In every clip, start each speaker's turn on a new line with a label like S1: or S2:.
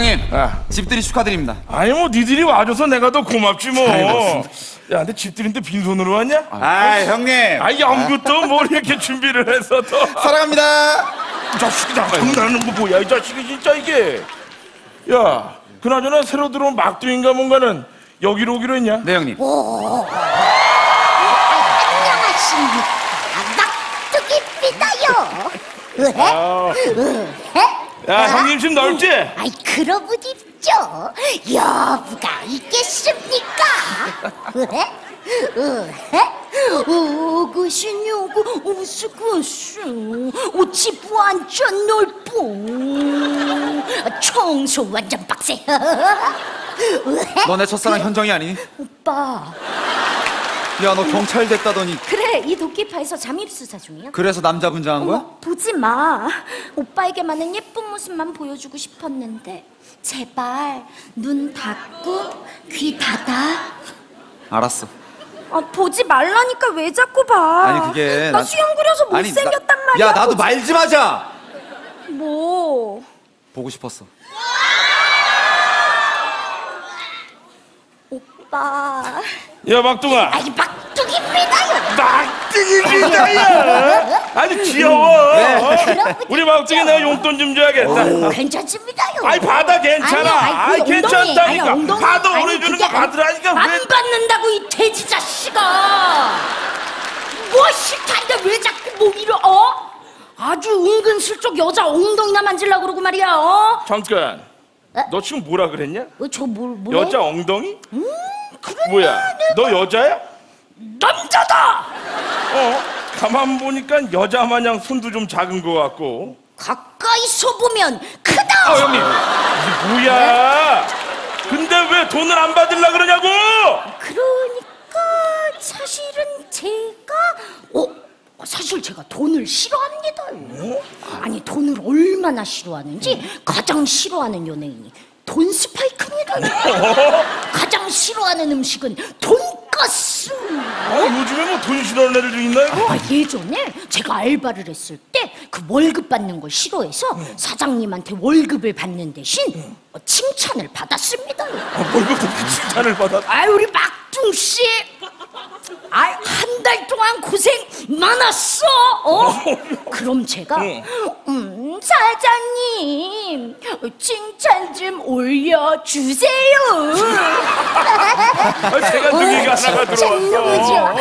S1: 형님, 집들이 축하드립니다.
S2: 아니 뭐 니들이 와줘서 내가 더 고맙지 뭐. 야, 근데 집들인데 빈손으로 왔냐?
S1: 아, 형님.
S2: 아, 연구도 뭘 이렇게 준비를 해서 또.
S1: 사랑합니다.
S2: 이 자식이 나 장난하는 거 뭐야, 이 자식이 진짜 이게. 야, 그나저나 새로 들어온 막둥인가 뭔가는 여기로 오기로 했냐?
S1: 네, 형님.
S3: 안녕하십니까, 막둥이입니다요.
S2: 야, 형님 집 넓지?
S3: 아이, 그러고 입죠. 여부가 있겠습니까? 오그시냐고 오스구스 집 완전 넓고 청소 완전 빡세.
S1: 너네 첫사랑 현정이 아니니?
S3: 오빠.
S1: 야, 너 경찰 됐다더니.
S3: 그래, 이 도끼파에서 잠입수사 중이야.
S1: 그래서 남자 분장한 거야?
S3: 보지 마. 오빠에게만은 예쁜 모습만 보여주고 싶었는데 제발 눈 닫고 귀 닫아.
S1: 알았어.
S3: 보지 말라니까 왜 자꾸 봐.
S1: 아니, 그게
S3: 나 수염 그려서 못생겼단 말이야.
S1: 야, 나도 말 좀 하자.
S3: 뭐?
S1: 보고 싶었어.
S3: 오빠.
S2: 야, 막둥아.
S3: 아이, 막둥이입니다요.
S2: 막둥이입니다요. 아주 귀여워.
S3: 네.
S2: 우리 막둥이 내가 용돈 좀 줘야겠다.
S3: 괜찮습니다요.
S2: 아이, 받아, 괜찮아. 아이, 괜찮다니까. 받아, 오래 주는 거 받으라니까.
S3: 안 받는다고, 이 돼지 자식아. 뭐 싫다는데 왜 자꾸 뭐 이러? 아주 은근슬쩍 여자 엉덩이나 만질라고 그러고 말이야.
S2: 잠깐. 너 지금 뭐라 그랬냐?
S3: 저 뭐?
S2: 여자 엉덩이? 뭐야? 너 여자야?
S3: 남자다.
S2: 가만 보니까 여자 마냥 손도 좀 작은 것 같고.
S3: 가까이서 보면 크다.
S2: 형님. 이게 뭐야? 근데 왜 돈을 안 받으려 그러냐고?
S3: 그러니까 사실은 제가 사실 제가 돈을 싫어합니다. 아니, 돈을 얼마나 싫어하는지 가장 싫어하는 연예인이 돈 스파이크입니다. 가장 싫어하는 음식은 돈가스.
S2: 요즘에 뭐 돈 싫어하는 애들도 있나 이거?
S3: 예전에 제가 알바를 했을 때 그 월급 받는 걸 싫어해서 사장님한테 월급을 받는 대신 칭찬을 받았습니다.
S2: 월급 받고 칭찬을 받아?
S3: 우리 막둥 씨, 한 달 동안 고생 많았어. 그럼 제가 사장님 칭찬 좀 올려주세요.
S2: 제가 등이가 하나가 들어왔어.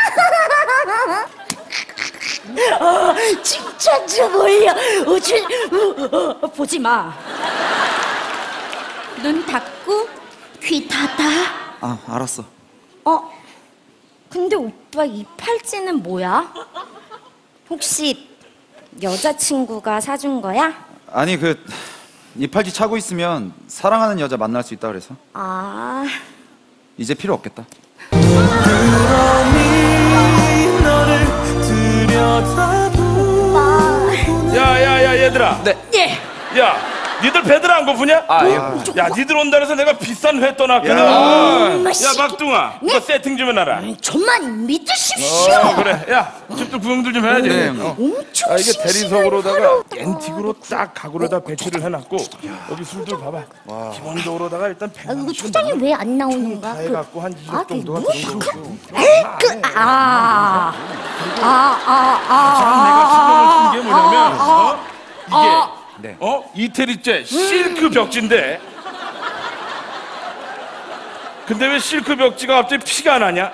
S3: 칭찬 좀 올려. 보지 마. 눈 닫고 귀 닫아.
S1: 알았어.
S3: 근데 오빠 이 팔찌는 뭐야? 혹시 여자친구가 사준 거야?
S1: 아니, 이 팔찌 차고 있으면 사랑하는 여자 만날 수 있다 그래서. 이제 필요 없겠다.
S2: 야야야, 얘들아.
S1: 네.
S3: 예.
S2: 야, 니들 배들 안 고프냐? 야, 니들 온다 해서 내가 비싼 회 떠났거든. 야, 막둥아, 이거 세팅 좀 해놔라.
S3: 저만 믿으십시오.
S2: 그래. 야, 집도 구경들 좀 해야지.
S3: 엄청
S2: 이게
S3: 싱싱한
S2: 대리석으로다가
S3: 하루.
S2: 앤틱으로 딱 가구로다 배치를 해놨고, 여기 술들 봐봐. 기본적으로다가 일단 100만
S3: 초장이 왜 안 나오는가?
S2: 다 해갖고 한 2억 정도가 들어오고. 내가 신경을 쓴 게 뭐냐면, 이게 이태리째 실크 벽지인데, 근데 왜 실크 벽지가 갑자기 피가 나냐?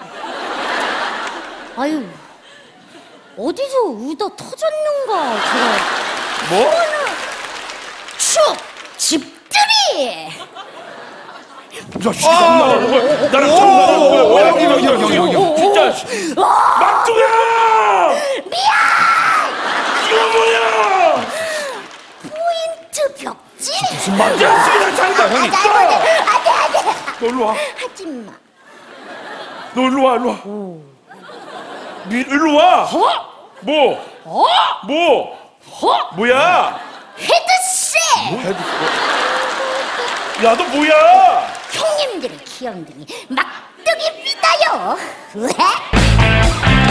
S3: 아유, 어디서 의도 터졌는가?
S2: 뭐?
S3: 축 집들이.
S2: 나랑 장난하는 거야? 뭐야? 형, 진짜. 막둥아!
S3: 미안.
S2: 이거 뭐야?
S3: 포인트 벽지.
S2: 무슨 말이야? 쓰기나 장난. 형님.
S3: 안돼.
S2: 너 일로 와.
S3: 하지마.
S2: 너 일로 와, 일로 와. 일로 와. 뭐? 뭐야?
S3: 헤드셋.
S2: 야, 너 뭐야?
S3: 형님들의 귀염둥이 막둥이입니다요. 왜?